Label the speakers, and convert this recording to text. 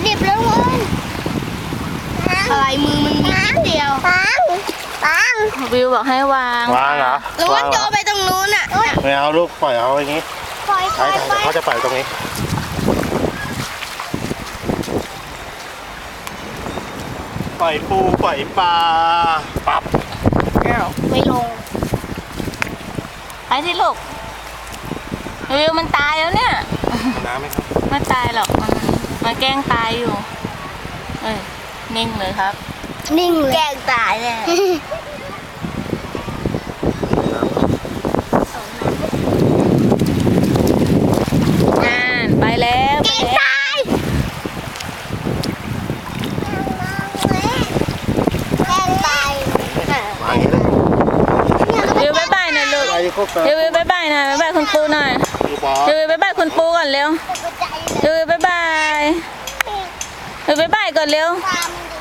Speaker 1: ดิบแล้วเว้ยอะไรมือมันมีนิดเดียวปัง
Speaker 2: วิวบอกให้วาง
Speaker 3: วางเหรอ
Speaker 1: แล้วว่าโจไปตรงนู้นอ่ะ
Speaker 3: ไม่เอาลูกปล่อยเอาอย่างนี้
Speaker 1: ปล่อย
Speaker 3: ใช่เขาจะปล่อยตรงนี้ปล่อยปูปล่อยปลาปั๊บ
Speaker 1: ไม่ลง
Speaker 2: ไปที่ลูกวิวมันตายแล้วเนี่ย
Speaker 3: น้ำไหมครับ
Speaker 2: ไม่ตายหรอกมันแกล้งตายอยู่เอ้ยนิ่งเลยครับ
Speaker 1: นิ่งเลยแกล้งตายเลย
Speaker 2: งานไปแล้วไปแล้ว
Speaker 1: ตายแกล้งตาย
Speaker 3: วางอย่างนี้เลย
Speaker 2: วิวบ๊ายบายหน่อยลูก
Speaker 3: ไปครบ
Speaker 2: วิวบ๊ายบายหน่อยบ๊ายบายคุณปูหน่อย
Speaker 3: ปูปลา
Speaker 2: วิวบ๊ายบายคุณปูก่อนเร็ววิวบ๊ายบายวิวบ๊ายบายก่อนเร็ว
Speaker 1: ตามดิ